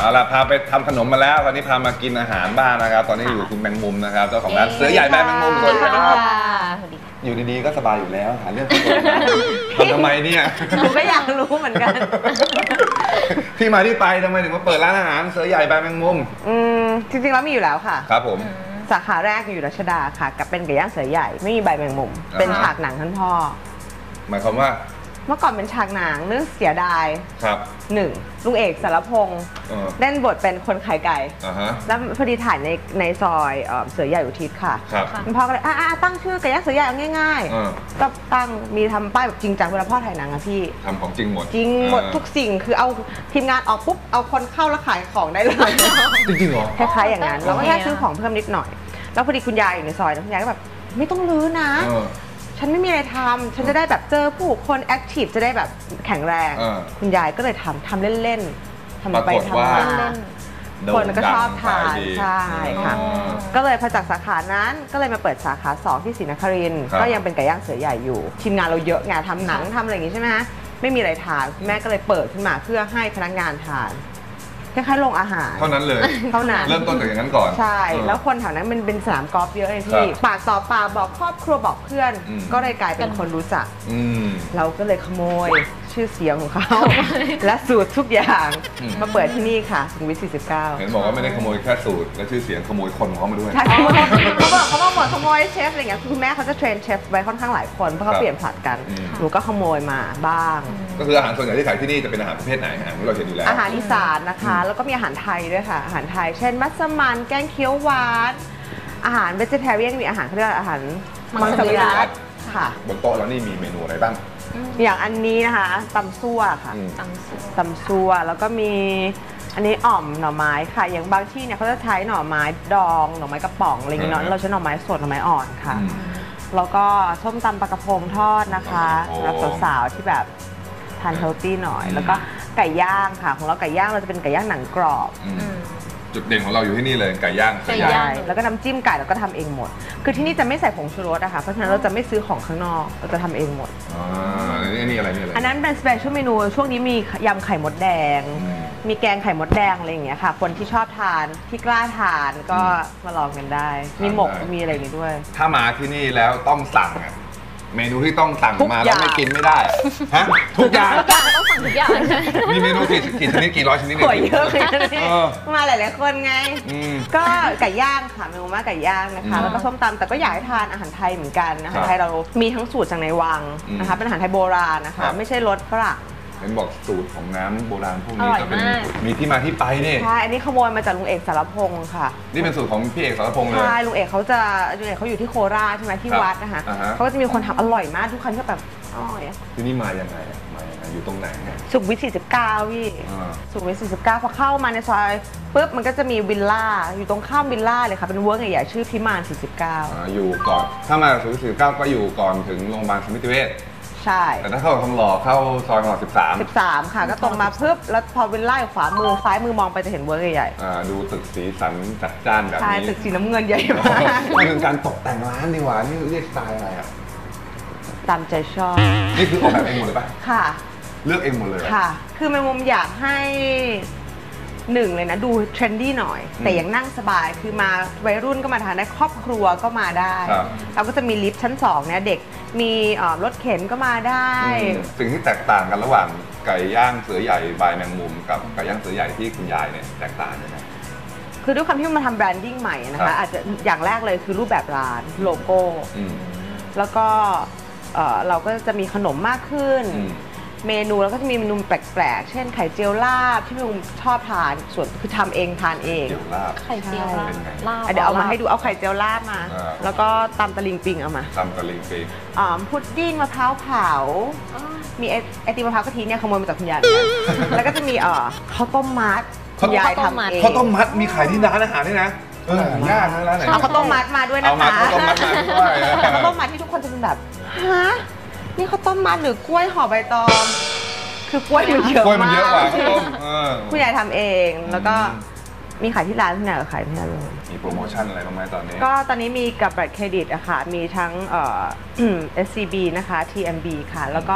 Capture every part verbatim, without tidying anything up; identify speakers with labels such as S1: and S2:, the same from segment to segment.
S1: เอาล่ะพาไปทำขนมมาแล้วตอนนี้พามากินอาหารบ้างนะครับตอนนี้อยู่คุณแมงมุมนะครับเจ้าของร้านเสือใหญ่แบรนด์แมงมุมสวัสดีครับอยู่ดีๆก็สบายอยู่แล้วหาเรื่องทำทำไมเนี่ย
S2: หนูก็อยากรู้เหมือนกัน
S1: ที่มาที่ไปทำไมถึงมาเปิดร้านอาหารเสือใหญ่แบรนด์แมงมุม
S2: อืมจริงๆแล้วมีอยู่แล้วค่ะ
S1: ครับผม
S2: สาขาแรกอยู่รัชดาค่ะกับเป็นไก่ย่างเสือใหญ่ไม่มีใบแมงมุมเป็นฉากหนังท่านพ่อ
S1: หมายความว่า
S2: เมื่อก่อนเป็นฉากหนังเรื่องเสียดาย
S1: ครับ
S2: หนึ่งลุงเอกสารพงษ์เล่นบทเป็นคนขายไก่แล้วพอดีถ่ายในในซอยเสือใหญ่อุทิศค่ะพ่อก็เลยอ่าตั้งชื่อไก่ย่างเสือใหญ่ง่ายๆก็ตั้งมีทำป้ายแบบจริงจังเวลาพ่อถ่ายหนังอะพี่
S1: ทำของจริงหมด
S2: จริงหมดทุกสิ่งคือเอาทีมงานออกปุ๊บเอาคนเข้าแล้วขายของได้เลย
S1: จริงๆเหรอ
S2: คล้ายๆอย่างนั้นเราก็แค่ซื้อของเพิ่มนิดหน่อยแล้วพอดีคุณยายอยู่ในซอยแล้วคุณยายก็แบบไม่ต้องรื้อนะฉันไม่มีอะไรทำฉันจะได้แบบเจอผู้คนแอคทีฟจะได้แบบแข็งแรงคุณยายก็เลยทำทำเล่นๆทำไปทำมาคนก็ชอบทานใช่ค่ะก็เลยพอจากสาขานั้นก็เลยมาเปิดสาขาสองที่ศรีนครินทร์ก็ยังเป็นไก่ย่างเสือใหญ่อยู่ทีมงานเราเยอะงานทำหนังทำอะไรอย่างงี้ใช่ไหมฮะไม่มีอะไรทานแม่ก็เลยเปิดขึ้นมาเพื่อให้พนักงานทานคล้ายๆโรงอาหาร
S1: เท่านั้นเลย
S2: เท่านั้น
S1: เริ่มต้นจากอย่างนั้นก่อน
S2: ใช่แล้วคนแถวนั้นมันเป็นสนามกอล์ฟเยอะเลยพี่ปากต่อปากบอกครอบครัวบอกเพื่อนก็เลยกลายเป็นคนรู้จักเราก็เลยขโมยชื่อเสียงของเขาและสูตรทุกอย่างมาเปิดที่นี่ค่ะสุขุมวิทสี่สิบเก้า
S1: เห็นบอกว่าไม่ได้ขโมยแค่สูตรและชื่อเสียงขโมยคนของเขามาด้วย
S2: ใช่เขาบอกเขาบอกหมดขโมยเชฟอะไรเงี้ยคุณแม่เขาจะเทรนเชฟไว้ค่อนข้างหลายคนเพราะเขาเปลี่ยนผลัดกันหนูก็ขโมยมาบ้าง
S1: ก็คืออาหารส่วนใหญ่ที่ขายที่นี่จะเป็นอาหารประเภทไหนอาหารที่เราเห็นอยู่แล้ว
S2: อาหารอีสานนะคะแล้วก็มีอาหารไทยด้วยค่ะอาหารไทยเช่นมัสมั่นแกงเขียวหวานอาหารเวจิเทเรียนมีอาหารเขาเรียกอาหารมังสวิรัติค่ะ
S1: บนโต๊ะแล้วนี่มีเมนูอะไรบ้าง
S2: อย่างอันนี้นะคะตำซั่วค่ะตำซั่วแล้วก็มีอันนี้อ่อมหน่อไม้ค่ะอย่างบางที่เนี่ยเขาจะใช้หน่อไม้ดองหน่อไม้กระป๋องอะไรอย่างเงี้ยเนาะเราใช้หน่อไม้สดหน่อไม้อ่อนค่ะแล้วก็ส้มตำปลากระพงทอดนะคะสำหรับสาวๆที่แบบทานเฮลตี้หน่อยแล้วก็ไก่ย่างค่ะของเราไก่ย่างเราจะเป็นไก่ย่างหนังกรอบ
S1: จุดเด่นของเราอยู่ที่นี่เลยไก่ย่าง
S2: ไก่ย่างแล้วก็น้ำจิ้มไก่เราก็ทำเองหมดคือที่นี่จะไม่ใส่ผงชูรสนะคะเพราะฉะนั้นเราจะไม่ซื้อของข้างนอกเราจะทำเองหมด
S1: อ๋ออันนี้อะไรนี่อะไร
S2: อันนั้นเป็นสเปเชียลเมนูช่วงนี้มียำไข่มดแดงมีแกงไข่มดแดงอะไรอย่างเงี้ยค่ะคนที่ชอบทานที่กล้าทานก็มาลองกันได้มีหมกมีอะไรอย่างงี้ด้วย
S1: ถ้ามาที่นี่แล้วต้องสั่งเมนูที่ต้องสั่งมาแล้วไม่กินไม่ได้ฮะทุกอย่าง
S3: ทุกอย่างต้องสั่งทุกอย่าง
S1: มีเมนูกี่กี่ชนิดกี่ร้อยชนิดเนี่ย
S2: เยอะเลยมาหลายๆคนไงก็ไก่ย่างค่ะเมนูมาไก่ย่างนะคะแล้วก็ส้มตำแต่ก็อยากให้ทานอาหารไทยเหมือนกันอาหารไทยเรามีทั้งสูตรจากในวังนะคะเป็นอาหารไทยโบราณนะคะไม่ใช่รสฝรั่ง
S1: เห็นบอกสูตรของน้ำโบราณพวกนี้ก็เป็นมีที่มาที่ไปนี่
S2: ใช่อันนี้ขโมยมาจากลุงเอกสารพงศ์ค่ะ
S1: นี่เป็นสูตรของพี่เอกสารพงศ์เลย
S2: ใช่ลุงเอกเขาจะลุงเอกเขาอยู่ที่โคราชใช่ไหมที่วัดนะคะเขาก็จะมีคนทำอร่อยมากทุกครั้งที่แบบอร่อย
S1: ที่นี่มาอย่างไรมาอย่างไรอยู่ตรงไหนเนี่ย
S2: สุขุมวิทสี่สิบเก้าพี่สุขุมวิทสี่สิบเก้าพอเข้ามาในซอยปุ๊บมันก็จะมีวิลล่าอยู่ตรงข้ามวิลล่าเลยค่ะเป็นเวิร์กใหญ่ๆชื่อพิมานสี่สิบเก้า
S1: อยู่ก่อนถ้ามาสุขุมวิทสี่สิบเก้าก็อยู่ก่อนถึงโรงพยาบาลสมิติเวช
S2: ใช่
S1: แต่ถ้าเข้าทองหล่อเข้าซอยหล่อสิบสาม
S2: สิบสามค่ะก็ตรงมาปุ๊บแล้วพอวิลล่าอยู่ขวามือซ้ายมือมองไปจะเห็นเวิร์กใหญ่
S1: ๆดูตึกสีสันจัดจ้านแบบนี้
S2: ใช่ตึกสีน้ำเงินใหญ่มาก
S1: นี่คือการตกแต่งร้านดีกว่านี่เรียกสไตล์อะไรอ่ะ
S2: ตามใจชอบ
S1: นี่คือออกแบบเองหมดเลยป่ะ
S2: ค่ะ
S1: เลือกเองหมดเลย
S2: ค่ะคือแมงมุมอยากให้หนึ่งเลยนะดูเทรนดี้หน่อยแต่ยังนั่งสบายคือมาวัยรุ่นก็มาทานได้ครอบครัวก็มาได้เราก็จะมีลิฟต์ชั้นสองเนี่ยเด็กมีรถเข็นก็มาได้
S1: สิ่งที่แตกต่างกันระหว่างไก่ย่างเสือใหญ่บายแมงมุมกับไก่ย่างเสือใหญ่ที่คุณยายเนี่ยแตกต่างยังไง
S2: คือด้วยความที่มันทำแบรนดิ้งใหม่นะคะอาจจะอย่างแรกเลยคือรูปแบบร้านโลโก้แล้วก็เราก็จะมีขนมมากขึ้นเมนูแล้วก็จะมีเมนูแปลกๆเช่นไข่เจียวลาบที่ลุงชอบทานส่วนคือทำเองทานเอง
S3: ไข่เจียวลาบ
S2: เดี๋ยวเอามาให้ดูเอาไข่เจียวลาบมาแล้วก็ตำตะลิงปิงเอามา
S1: ตำตะลิงปิง
S2: อ๋อพุดดิ้งมะพร้าวเผามีไอติมมะพร้าวกะทิเนี่ยขโมยมาจากคุณยายแล้วก็จะมีเอ่อข้าวต้มมัดคุณยายทำเอง
S1: ข้าวต้มมัดมีขายที่ร้านอาหารด้วยนะเออยากนะร้านไหน
S2: เอาข้าวต้มมัดมาด้วยนะคะ
S1: ข้าวต้มมัดมาด้วย
S2: ข้าวต้มมัดที่ทุกคนจะเป็นแบบฮะนี่ข้าวต้มมัดหรือกล้วยห่อใบตองคือกล้วยมันเยอะมากกล้วยมันเยอะกว่าข้าวต้มคุณยายทำเองแล้วก็มีขายที่ร้านที่ไหนก็ขายที่นั่นเลย
S1: มีโปรโมชั่นอะไรบ้างไหมตอนนี้
S2: ก็ตอนนี้มีกับบัตรเครดิตอะค่ะมีทั้งเอ่อ เอส ซี บี นะคะ ที เอ็ม บี ค่ะแล้วก็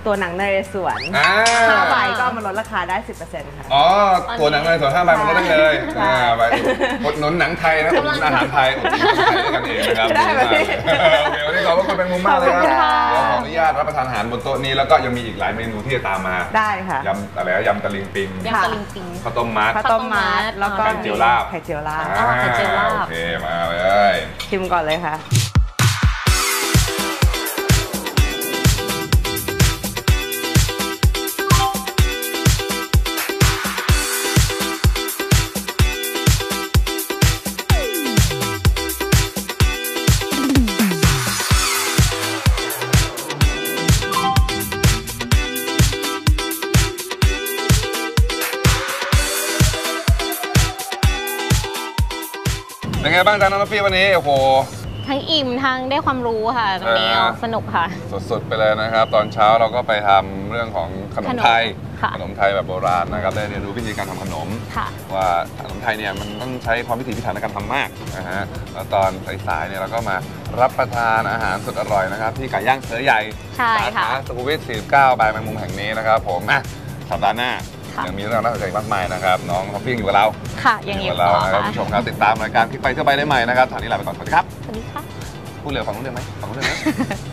S2: ตัวหนังนเรศวร
S1: อ่า
S2: ห้าใบก็เอามาลดราคาได้ สิบเปอร์เซ็นต์ ค่ะ
S1: อ๋อตัวหนังเลยส่วนห้าใบมันก็ได้เลย
S2: ใช่
S1: อ่าใบอดหนุนหนังไทยนะอดหนุนอาหารไทยอดหนุนคนไทยด้วยกันเองนะครับ
S2: ได้ไหม
S1: ดีมากโอเควันนี้ขอบคุณเป็นมุมมากเลยครับ
S2: ขอบคุณค่ะ
S1: เดี๋ยวขออนุญาตรับประทานอาหารบนโต๊ะนี้แล้วก็ยังมีอีกหลายเมนูที่จะตามมา
S2: ได้ค่ะ
S1: ยำอะไรนะยำตะลิงปิง
S3: ยำตะลิงปิง
S1: ข้าวต้มมัด
S2: ข้าวต้มมัดแล้วก็
S1: ไข่เจียวลาบ
S2: ไข่เจียวลาบ
S3: อ่าไข่เจียวลาบ
S1: โอเคมาเลย
S2: ชิมก่อนเลยค่ะ
S1: เป็นไงบ้างจ๊ะน้องน้ำฟี่วันนี้โอ้โห
S3: ทั้งอิ่มทั้งได้ความรู้ค่ะตรงนี้
S1: เออ
S3: สนุกค่ะ
S1: สดๆไปเลยนะครับ ตอนเช้าเราก็ไปทำเรื่องของขนมไทย
S3: ค่ะ
S1: ขนมไทยแบบโบราณนะครับได้เรียนรู้วิธีการทำขนม
S3: ค่ะ
S1: ว่าขนมไทยเนี่ยมันต้องใช้ความพิถีพิถันในการทำมากนะฮะแล้วตอนสายๆเนี่ยเราก็มารับประทานอาหารสุดอร่อยนะครับที่ไก่ย่างเสือใหญ่
S3: ใช่
S1: สา
S3: ค่ะ
S1: ขาสุขุมวิทสี่สิบเก้าบายแมงมุมแห่งนี้นะครับผมอ่ะสัปดาห์หน้า
S3: ค่ะ
S1: ยังมีเรื่องน่าสนใจมากมายนะครับน้องท็อปปิ้งอยู่กับเรา
S3: ค่ะยังอยู่
S1: กับ
S3: ต่
S1: เรา
S3: อ
S1: นะครับ
S3: ค่ะ
S1: ผู้ชมครับติดตามรายการคลิกไปเที่ยวไปได้ใหม่นะครับทางนี้ลาไปก่อนสวัสดีครับ
S3: สวัสดีค่ะ
S1: พูดเร็วฟังรู้เรื่องไหมฟังรู้เรื่องไหม